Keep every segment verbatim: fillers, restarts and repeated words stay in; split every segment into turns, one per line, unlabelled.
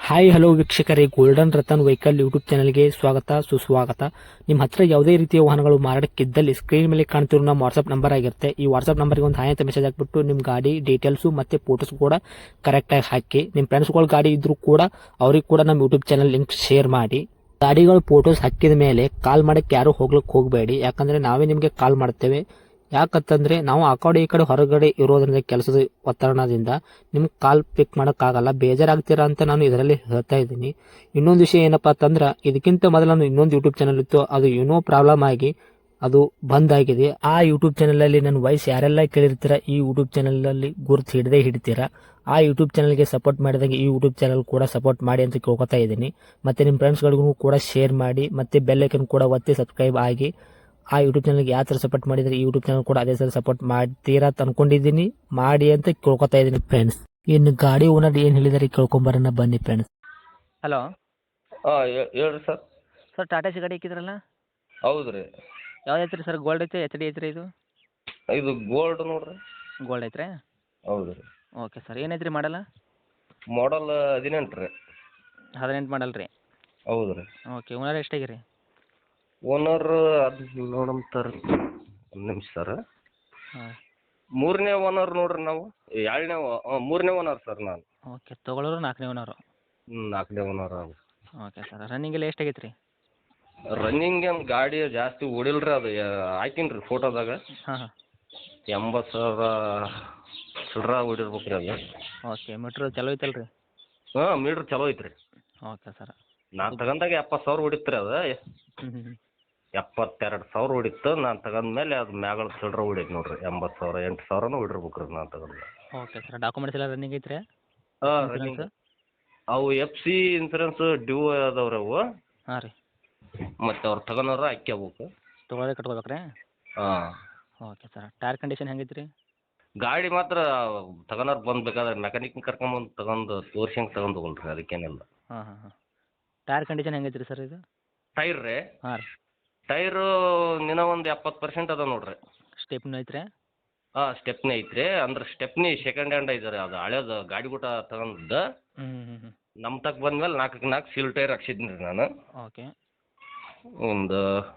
Hi hello ವೀಕ್ಷಕರೇ, golden Ratan vehicle YouTube ಚಾನಲ್ಗೆ ಸ್ವಾಗತ ಸುಸ್ವಾಗತ. ನಿಮ್ಮ ಹತ್ರ ಯಾವುದೇ ರೀತಿಯ ವಾಹನಗಳು ಮಾರಾಟಕ್ಕಿದ್ದಲ್ಲಿ ಸ್ಕ್ರೀನ್ ಮೇಲೆ ಕಾಣ್ತಿರೋ ನಮ್ಮ ವಾಟ್ಸ್ಆಪ್ ನಂಬರ್ ಆಗಿರುತ್ತೆ. ಈ ವಾಟ್ಸ್ಆಪ್ ನಂಬರ್ಗೆ ಒಂದು ಹಾಯ್ ಅಂತ ಮೆಸೇಜ್ ಹಾಕ್ಬಿಟ್ಟು ನಿಮ್ಮ ಗಾಡಿ ಡೀಟೇಲ್ಸು ಮತ್ತೆ ಫೋಟೋಸ್ ಕೂಡ ಕರೆಕ್ಟಾಗಿ ಹಾಕಿ. ನಿಮ್ಮ ಫ್ರೆಂಡ್ಸ್ಗಳ ಗಾಡಿ ಇದ್ರೂ ಕೂಡ ಅವ್ರಿಗೆ ಕೂಡ ನಮ್ಮ ಯೂಟ್ಯೂಬ್ ಚಾನಲ್ ಲಿಂಕ್ ಶೇರ್ ಮಾಡಿ. ಗಾಡಿಗಳು ಫೋಟೋಸ್ ಹಾಕಿದ ಮೇಲೆ ಕಾಲ್ ಮಾಡಕ್ಕೆ ಯಾರು ಹೋಗ್ಲಿಕ್ಕೆ ಹೋಗಬೇಡಿ, ಯಾಕಂದ್ರೆ ನಾವೇ ನಿಮಗೆ ಕಾಲ್ ಮಾಡ್ತೇವೆ. ಯಾಕಂತಂದ್ರೆ ನಾವು ಆ ಕಡೆ ಈ ಕಡೆ ಹೊರಗಡೆ ಇರೋದ್ರಿಂದ ಕೆಲಸದ ಒತ್ತಡದಿಂದ ನಿಮ್ಗೆ ಕಾಲ್ ಪಿಕ್ ಮಾಡೋಕ್ಕಾಗಲ್ಲ, ಬೇಜಾರಾಗ್ತೀರಾ ಅಂತ ನಾನು ಇದರಲ್ಲಿ ಹೇಳ್ತಾ ಇದ್ದೀನಿ. ಇನ್ನೊಂದು ವಿಷಯ ಏನಪ್ಪಾ ಅಂತಂದ್ರೆ, ಇದಕ್ಕಿಂತ ಮೊದಲು ನಾನು ಇನ್ನೊಂದು ಯೂಟ್ಯೂಬ್ ಚಾನಲ್ ಇತ್ತು, ಅದು ಏನೋ ಪ್ರಾಬ್ಲಮ್ ಆಗಿ ಅದು ಬಂದ್ ಆಗಿದೆ. ಆ ಯೂಟ್ಯೂಬ್ ಚಾನಲ್ ಅಲ್ಲಿ ನನ್ನ ವಾಯ್ಸ್ ಯಾರೆಲ್ಲ ಕೇಳಿರ್ತೀರಾ, ಈ ಯೂಟ್ಯೂಬ್ ಚಾನಲ್ ಅಲ್ಲಿ ಗುರುತು ಹಿಡದೆ ಹಿಡಿತೀರಾ. ಆ ಯೂಟ್ಯೂಬ್ ಚಾನಲ್ಗೆ ಸಪೋರ್ಟ್ ಮಾಡಿದಾಗ ಈ ಯೂಟ್ಯೂಬ್ ಚಾನಲ್ ಕೂಡ ಸಪೋರ್ಟ್ ಮಾಡಿ ಅಂತ ಕೇಳ್ಕೊತಾ ಇದ್ದೀನಿ. ಮತ್ತೆ ನಿಮ್ಮ ಫ್ರೆಂಡ್ಸ್ಗಳಿಗೂ ಕೂಡ ಶೇರ್ ಮಾಡಿ, ಮತ್ತೆ ಬೆಲ್ ಐಕನ್ ಕೂಡ ಒತ್ತಿ ಸಬ್ಸ್ಕ್ರೈಬ್ ಆಗಿ. ಆ ಯೂಟ್ಯೂಬ್ ಚಾನಲ್ಗೆ ಯಾವ ಥರ ಸಪೋರ್ಟ್ ಮಾಡಿದರೆ ಈ ಯೂಟ್ಯೂಬ್ ಚಾನಲ್ ಕೂಡ ಅದೇ ಥರ ಸಪೋರ್ಟ್ ಮಾಡ್ತೀರಾ ಅಂತ ಅನ್ಕೊಂಡಿದ್ದೀನಿ. ಮಾಡಿ ಅಂತ ಕೇಳ್ಕೊತಾ ಇದ್ದೀನಿ ಫ್ರೆಂಡ್ಸ್. ಇನ್ನು ಗಾಡಿ ಓನರ್ ಏನು ಹೇಳಿದಾರೆ ಕೇಳ್ಕೊಂಬರೋಣ ಬನ್ನಿ ಫ್ರೆಂಡ್ಸ್.
ಹಲೋ
ಹಾಂ ಹೇಳ್ರಿ ಸರ್.
ಸರ್ ಟಾಟಾ ಸಿ ಗಾಡಿ ಹಾಕಿದ್ರಲ್ಲ,
ಹೌದು ರೀ.
ಯಾವ್ದು ಐತ್ರಿ ಸರ್? ಗೋಲ್ಡ್ ಐತೆ, ಎಚ್ ಡಿ ಐತ್ರಿ? ಇದು
ಇದು ಗೋಲ್ಡ್ ನೋಡ್ರಿ.
ಗೋಲ್ಡ್ ಐತ್ರಿ?
ಹೌದು ರೀ.
ಓಕೆ ಸರ್, ಏನೈತ್ರಿ ಮಾಡಲ್ಲ?
ಮಾಡಲ್ ಹದಿನೆಂಟು ರೀ.
ಹದಿನೆಂಟು ಮಾಡಲ್ ರೀ?
ಹೌದು ರೀ.
Okay, owner ಎಷ್ಟಾಗಿರಿ?
ಓನರ್ ಅದು ನೋಡಮ್ ಸರ್, ಒಂದು ನಿಮಿಷ ಸರ್.
ಹಾಂ,
ಮೂರನೇ ಓನರ್ ನೋಡ್ರಿ ನಾವು. ಎರಡನೇ ಮೂರನೇ ಓನರ್ ಸರ್ ನಾನು.
ಓಕೆ, ತೊಗೊಳೋರು ನಾಲ್ಕನೇ ಓನರು?
ಹ್ಞೂ ನಾಲ್ಕನೇ ಓನರ್.
ಓಕೆ ಸರ್, ರನ್ನಿಂಗ್ ಎಲ್ಲ ಎಷ್ಟಾಗೈತೆ ರೀ?
ರನ್ನಿಂಗ್ ಏನು ಗಾಡಿ ಜಾಸ್ತಿ ಓಡಿಲ್ಲ ರೀ. ಅದು ಹಾಕೀನಿ ರೀ ಫೋಟೋದಾಗ.
ಹಾಂ ಹಾಂ.
ಎಂಬತ್ತು ಸಾವಿರ ಚಿಲ್ಡ್ರ ಓಡಿರ್ಬೇಕು ರೀ ಅದು.
ಓಕೆ, ಮೀಟ್ರ್ ಚಲೋ ಐತಲ್ಲ ರೀ?
ಹಾಂ ಮೀಟ್ರ್ ಚಲೋ ಐತ್ರಿ.
Okay sir.
ನಾನು ತಗೊಂಡಾಗ ಎಪ್ಪತ್ತು ಸಾವಿರ ಹೊಡಿತ್ತು ರೀ ಅದು.
ಹ್ಞೂ ಹ್ಞೂ
ಎಪ್ಪತ್ತೆರಡು ಸಾವಿರ ಹೊಡಿತ್ತು. ನಾನು ತಗೊಂಡ್ಮೇಲೆ ಅದು ಮ್ಯಾಗಳ ಚಿಲ್ಡ್ರ ಹೊಡೈತೆ ನೋಡ್ರಿ. ಎಂಬತ್ತು ಸಾವಿರ ಎಂಟು ಸಾವಿರನೂ ಹೊಡಿರ್ಬೇಕು ರೀ ನಾನು ತಗೊಂಡು.
ಓಕೆ ಸರ್, ಡಾಕ್ಯುಮೆಂಟ್ಸ್ ಎಲ್ಲ ರನ್ನಿಂಗ್ ಐತ್ರಿ?
ಹಾಂ ರನ್ನಿಂಗ್. ಅವು ಎಫ್ ಸಿ ಇನ್ಸೂರೆನ್ಸು ಡ್ಯೂ ಅದಾವ್ರಿ ಅವು.
ಹಾಂ ರೀ.
ಮತ್ತು ಅವ್ರು ತಗೊಂಡವ್ರ ಹಾಕ್ಕೋಬೇಕು.
ತೊಗೊಳೋದೇ ಕಟ್ಕೋಬೇಕು ರೀ?
ಹಾಂ.
ಓಕೆ ಸರ್, ಟೈರ್ ಕಂಡೀಷನ್ ಹೆಂಗೈತೆ ರೀ?
ಗಾಡಿ ಮಾತ್ರ ತಗೊಂಡವ್ರು ಬಂದು ಬೇಕಾದ್ರೆ ಮೆಕ್ಯಾನಿಕ್ನ ಕರ್ಕೊಂಬಂದು ತಗೊಂಡು ತೋರ್ಸಂಗೆ ತಗೊಂಡು ಹೋಗಲ್ರಿ, ಅದಕ್ಕೇನಿಲ್ಲ.
ಹಾಂ ಹಾಂ ಹಾಂ. ಟೈರ್ ಕಂಡೀಷನ್ ಹೆಂಗೈತೆ ರೀ ಸರ್ ಇದು?
ಟೈರ್ ರೀ?
ಹಾಂ ರೀ.
ಟೈರು ಇನ್ನೂ ಒಂದು ಎಪ್ಪತ್ತು ಪರ್ಸೆಂಟ್ ಅದ ನೋಡ್ರಿ.
ಸ್ಟೆಪ್ನೂ ಐತ್ರಿ?
ಹಾಂ ಸ್ಟೆಪ್ನಿ ಐತ್ರಿ. ಅಂದ್ರೆ ಸ್ಟೆಪ್ನಿ ಸೆಕೆಂಡ್ ಹ್ಯಾಂಡ್ ಐತೆ ರೀ. ಅದು ಹಳೇದು ಗಾಡಿ ಗೂಟ ತಗೊಂಡದ್ದು.
ಹ್ಞೂ ಹ್ಞೂ ಹ್ಞೂ.
ನಮ್ಮ ತಕ್ಕ ಬಂದ್ಮೇಲೆ ನಾಲ್ಕಕ್ಕೆ ನಾಲ್ಕು ಸೀಲ್ ಟೈರ್ ಹಾಕ್ಸಿದ್ದೀನಿ ರೀ ನಾನು.
ಓಕೆ.
ಒಂದು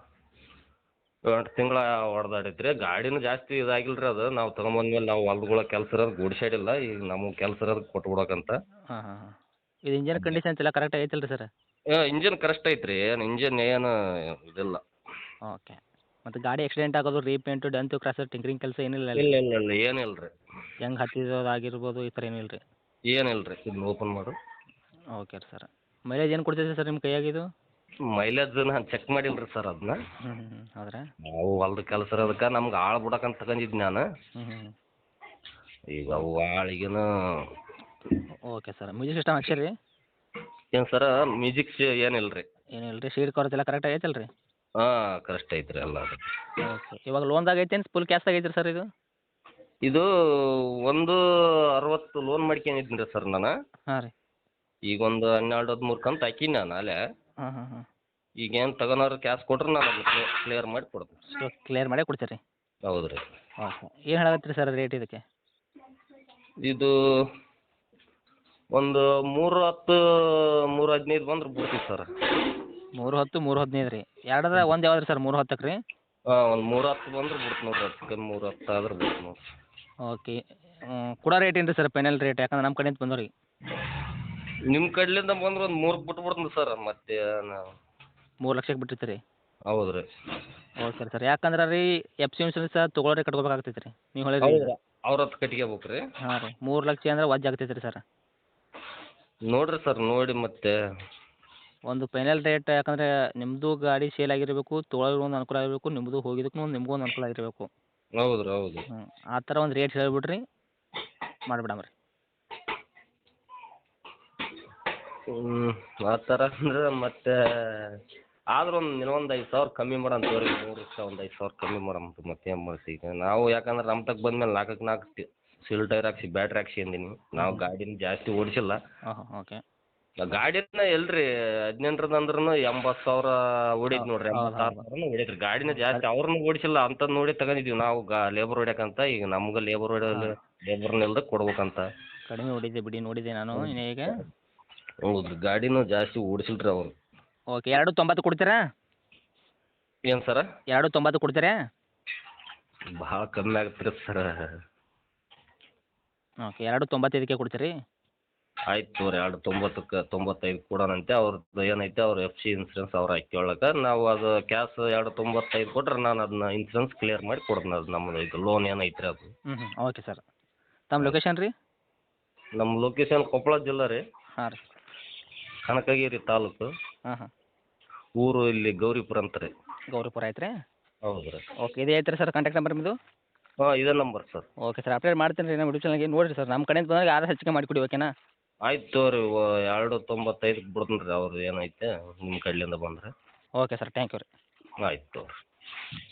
ಎಂಟು ತಿಂಗಳ ಹೊಡೆದಾಡೈತೆ ರೀ. ಗಾಡಿನೂ ಜಾಸ್ತಿ ಇದಾಗಿಲ್ಲ ರೀ. ಅದು ನಾವು ತಗೊಂಬಂದ್ಮೇಲೆ ನಾವು ಹೊಲ್ದಗಳ ಕೆಲಸ ಇರೋದು ಗುಡ್ಸೈಡಿಲ್ಲ, ಈಗ ನಮಗೆ ಕೆಲಸ ಇರೋದು ಕೊಟ್ಬಿಡೋಕಂತ.
ಹಾಂ ಹಾಂ ಹಾಂ. ಇದು ಇಂಜನ್ ಕಂಡೀಷನ್ಸ್ ಎಲ್ಲ ಕರೆಕ್ಟ್ ಐತಲ್ಲ ರೀ ಸರ್?
ಇಂಜಿನ್ ಕರೆಕ್ಟ್ ಐತೆ ರೀ. ಏನು ಇಂಜಿನ್ ಏನು ಇದಿಲ್ಲ.
ಓಕೆ. ಮತ್ತು ಗಾಡಿ ಆಕ್ಸಿಡೆಂಟ್ ಆಗೋದು, ರೀಪೇಂಟು, ಡೆಂತು, ಕ್ರಾಸರ್, ಟಿಂಕ್ರಿಂಗ್ ಕೆಲಸ ಏನಿಲ್ಲ
ಇಲ್ಲ ಇಲ್ಲ ಇಲ್ಲ ಏನಿಲ್ಲ ರೀ.
ಹೆಂಗೆ ಹತ್ತಿರೋದು ಆಗಿರ್ಬೋದು, ಈ ಥರ ಏನಿಲ್ಲ ರೀ?
ಏನಿಲ್ಲ ರೀ. ಇದನ್ನ ಓಪನ್ ಮಾಡು.
ಓಕೆ ರೀ ಸರ್. ಮೈಲೇಜ್ ಏನು ಕೊಡ್ತೈತೆ ಸರ್ ನಿಮ್ಮ ಕೈಯಾಗಿದು?
ಮೈಲೇಜ್ ನಾನು ಚೆಕ್ ಮಾಡಿಲ್ಲ ರೀ ಸರ್ ಅದನ್ನ.
ಹ್ಞೂ ಹ್ಞೂ ಹ್ಞೂ. ಹೌದ್ರಾ?
ನಾವು ಹೊಲ್ದ ಕೆಲಸ ಇರೋದಕ್ಕೆ ನಮ್ಗೆ ಆಳು ಬಿಡಕ್ಕಂತ ತಗೊಂಡಿದ್ದು ನಾನು.
ಹ್ಞೂ ಹ್ಞೂ.
ಈಗ ಅವು ಆಳಿಗೇನು.
ಓಕೆ ಸರ್, ಮ್ಯೂಸಿಕ್ ಸಿಸ್ಟಮ್ ಹಾಕ್ಸಿರಿ ರೀ?
ಏನು ಸರ ಮ್ಯೂಸಿಕ್ಸ್ ಏನಿಲ್ಲ ರೀ.
ಏನಿಲ್ಲ ರೀ. ಸೀಟ್ ಕವರ್ಸ್ ಎಲ್ಲ ಕರೆಕ್ಟ್ ಐತಲ್ಲ ರೀ?
ಹಾಂ ಕರೆಕ್ಟ್ ಐತೆ ರೀ ಎಲ್ಲ. ಅದು
ಓಕೆ. ಇವಾಗ ಲೋನ್ದಾಗ ಐತೇನು ಫುಲ್ ಕ್ಯಾಶ್ದಾಗ ಐತ್ರಿ ಸರ್ ಇದು?
ಇದು ಒಂದು ಅರವತ್ತು ಲೋನ್ ಮಾಡ್ಕೊಂಡಿದ್ದೀನಿ ರೀ ಸರ್ ನಾನು.
ಹಾಂ ರೀ.
ಈಗ ಒಂದು ಹನ್ನೆರಡು ಹದಿಮೂರು ಕಂತು ಹಾಕೀನಿ ನಾನು ಅಲ್ಲೇ.
ಹಾಂ ಹಾಂ ಹಾಂ.
ಈಗೇನು ತಗೋನವ್ರು ಕ್ಯಾಶ್ ಕೊಟ್ರೆ ನಾನು ಅದನ್ನ ಕ್ಲಿಯರ್ ಮಾಡಿ ಕೊಡ್ತೀನಿ.
ಸೊ ಕ್ಲಿಯರ್ ಮಾಡೇ ಕೊಡ್ತೀರಿ?
ಹೌದು ರೀ.
ಓಕೆ. ಏನು ಹೇಳಕತ್ತೀರಿ ಸರ್ ರೇಟ್ ಇದಕ್ಕೆ?
ಇದು ಒಂದು ಮೂರು ಹತ್ತು ಮೂರು ಹದಿನೈದು ಬಂದ್ರೆ ಬಿಡ್ತೀವಿ ಸರ್.
ಮೂರು ಹತ್ತು ಮೂರು ಹದಿನೈದು ರೀ? ಎರಡದ ಒಂದು ಯಾವ್ದು ರೀ ಸರ್? ಮೂರು ಹತ್ತಕ್ಕೆ ರೀ?
ಹಾಂ ಒಂದು ಮೂರು ಹತ್ತು ಬಂದ್ರೆ ಬಿಡ್ತು ನೋಡ್ರಿ. ಅದಕ್ಕೆ ಮೂರು ಹತ್ತು ಆದ್ರೆ ಬಿಡ್ತು ನೋಡಿರಿ.
ಓಕೆ. ಕೊಡೋ ರೇಟ್ ಏನು ರೀ ಸರ್ ಫೈನಲ್ ರೇಟ್? ಯಾಕಂದ್ರೆ ನಮ್ಮ ಕಡೆಯಿಂದ ಬಂದವ್ರಿ.
ನಿಮ್ಮ ಕಡ್ಲಿಂದ ಬಂದ್ರೆ ಒಂದು ಮೂರಕ್ಕೆ ಬಿಟ್ಟು ಬಿಡ್ತೀನಿ ಸರ್. ಮತ್ತೆ ನಾವು
ಮೂರು ಲಕ್ಷಕ್ಕೆ ಬಿಟ್ಟಿರ್ತೀರಿ?
ಹೌದು ರೀ.
Okay sir. ಯಾಕಂದ್ರೆ ರೀ ಎಫ್ ಸಿ ಇನ್ಸೂರೆನ್ಸ್ ತೊಗೊಳೋರೆ ಕಟ್ಕೋಬೇಕಾಗ್ತೈತೆ ರೀ, ನೀವು ಹೇಳಿರಿ.
ಹೌದು ಅವ್ರ ಹತ್ತು ಕಟ್ಕೋಬೇಕು ರೀ.
ಹಾಂ ರೀ. ಮೂರು ಲಕ್ಷ ಅಂದ್ರೆ ವಜ್ಜೆ ಆಗ್ತೈತೆ ರೀ ಸರ್.
ನೋಡಿರಿ ಸರ್ ನೋಡಿ ಮತ್ತೆ
ಒಂದು ಫೈನಲ್ ರೇಟ್, ಯಾಕಂದರೆ ನಿಮ್ಮದು ಗಾಡಿ ಸೇಲ್ ಆಗಿರಬೇಕು, ತೊಗೊಳೋರ್ಗೂ ಒಂದು ಅನುಕೂಲ ಆಗಿರಬೇಕು, ನಿಮ್ಮದು ಹೋಗಿದ್ದಕ್ಕೂ ಒಂದು ನಿಮಗೂ ಒಂದು ಅನುಕೂಲ ಆಗಿರಬೇಕು.
ಹೌದು ರೀ ಹೌದು.
ಹ್ಞೂ ಆ ಥರ ಒಂದು ರೇಟ್ ಹೇಳಿಬಿಡ್ರಿ, ಮಾಡಿಬಿಡಮ್ಮ ರೀ.
ಹ್ಞೂ ಆ ಥರ ಅಂದ್ರೆ ಮತ್ತೆ ಆದ್ರೂ ಒಂದು ಇನ್ನೊಂದು ಐದು ಸಾವಿರ ಕಮ್ಮಿ ಮಾಡೋಣ ತೋರಿ. ಮೂರು ಲಕ್ಷ ಒಂದು ಐದು ಸಾವಿರ ಕಮ್ಮಿ ಮಾಡಮ್ ಮತ್ತೆ ಏನು ಮಾಡ್ತೀವಿ ಈಗ ನಾವು. ಯಾಕಂದ್ರೆ ನಮ್ಮ ತಕ್ಕ ಬಂದ್ಮೇಲೆ ನಾಲ್ಕಕ್ಕೆ ನಾಲ್ಕು ಸೀಲ್ ಟೈರ್ ಹಾಕ್ಸಿ ಬ್ಯಾಟ್ರಿ ಹಾಕ್ಸಿ ಅಂದೀನಿ. ನಾವು ಗಾಡಿನ ಜಾಸ್ತಿ ಓಡಿಸಿಲ್ಲ.
ಹಾಂ ಹಾಂ. ಓಕೆ.
ಗಾಡಿನ ಎಲ್ರಿ ಹದಿನೆಂಟರದ್ದು ಅಂದ್ರೂ ಎಂಬತ್ತು ಸಾವಿರ ಹೊಡೀತು ನೋಡ್ರಿ. ಎಂಬತ್ತಾರು ಸಾವಿರನೂ ಹೊಡೀತ್ರಿ. ಗಾಡಿನ ಜಾಸ್ತಿ ಅವ್ರನ್ನೂ ಓಡಿಸಿಲ್ಲ ಅಂಥದ್ದು ನೋಡಿ ತಗೊಂಡಿದ್ದೀವಿ ನಾವು. ಗಾ ಲೇಬರ್ ಹೊಡ್ಯಾಕಂತ. ಈಗ ನಮ್ಗೆ ಲೇಬರ್ ಹೊಡೆಯಲು ಲೇಬರ್ನೆಲ್ಲ ಕೊಡ್ಬೇಕಂತ.
ಕಡಿಮೆ ಹೊಡಿದೆ ಬಿಡಿ, ನೋಡಿದೆ ನಾನು ಈಗ.
ಹೌದು ಗಾಡಿನೂ ಜಾಸ್ತಿ ಓಡಿಸಿಲ್ಲ ರೀ ಅವರು.
ಓಕೆ ಎರಡು ತೊಂಬತ್ತು ಕೊಡ್ತೀರಾ?
ಏನು ಸರ?
ಎರಡು ತೊಂಬತ್ತು ಕೊಡ್ತೀರಾ?
ಭಾಳ ಕಮ್ಮಿ ಆಗತ್ತೆ ರೀ ಸರ.
ಓಕೆ ಎರಡು ತೊಂಬತ್ತೈದಕ್ಕೆ ಕೊಡ್ತೀರಿ?
ಆಯ್ತು ತೋರಿ ಎರಡು ತೊಂಬತ್ತಕ್ಕೆ ತೊಂಬತ್ತೈದು ಕೊಡೋಣಂತೆ. ಅವ್ರದ್ದು ಏನೈತೆ ಅವ್ರ ಎಫ್ ಸಿ ಇನ್ಸೂರೆನ್ಸ್ ಅವ್ರು ಹಾಕ್ಕೊಳ್ಳೋಕೆ ನಾವು ಅದು ಕ್ಯಾಶ್ ಎರಡು ತೊಂಬತ್ತೈದು ಕೊಟ್ರೆ ನಾನು ಅದನ್ನ ಇನ್ಸೂರೆನ್ಸ್ ಕ್ಲಿಯರ್ ಮಾಡಿ ಕೊಡ್ತೀನಿ. ಅದು ನಮ್ಮದು ಇದು ಲೋನ್ ಏನೈತೆ ರೀ ಅದು.
ಹ್ಞೂ ಹ್ಞೂ ಓಕೆ ಸರ್. ತಮ್ಮ ಲೊಕೇಶನ್ ರೀ?
ನಮ್ಮ ಲೊಕೇಶನ್ ಕೊಪ್ಪಳ ಜಿಲ್ಲೆ ರೀ,
ಹಾಂ ರೀ.
ಕನಕಗಿರಿ ತಾಲೂಕು,
ಹಾಂ ಹಾಂ
ಊರು ಇಲ್ಲಿ ಗೌರಿಪುರ ಅಂತ ರೀ.
ಗೌರಿಪುರ ಆಯ್ತು ರೀ.
ಹೌದು ರೀ.
ಓಕೆ ಇದೇ ಐತ್ರಿ ಸರ್ ಕಾಂಟ್ಯಾಕ್ಟ್ ನಂಬರ್ ನಿಮ್ಮದು?
ಹಾಂ ಇದೇ number sir.
Okay sir update ಮಾಡ್ತೀನಿ ರೀ ನಮ್ಮ ಯೂಟ್ಯೂಬ್ ಚಾನಲ್ಗೆ. ನೋಡಿರಿ ಸರ್ ನಮ್ಮ ಕಡೆಯಿಂದ ಬಂದಾಗ ಯಾರು ಹೆಚ್ಚಿಗೆ ಮಾಡಿಕೊಡಿ ಓಕೆನಾ?
ಆಯ್ತು ತೋರಿ ಎರಡು ತೊಂಬತ್ತೈದಕ್ಕೆ ಬಿಡ್ತೀನಿ ರೀ ಅವ್ರದ್ದು ಏನೈತೆ ನಿಮ್ಮ ಕಡೆಯಿಂದ ಬಂದರೆ.
ಓಕೆ ಸರ್ ಥ್ಯಾಂಕ್ ಯು ರೀ.
ಆಯ್ತು ತೋರಿ.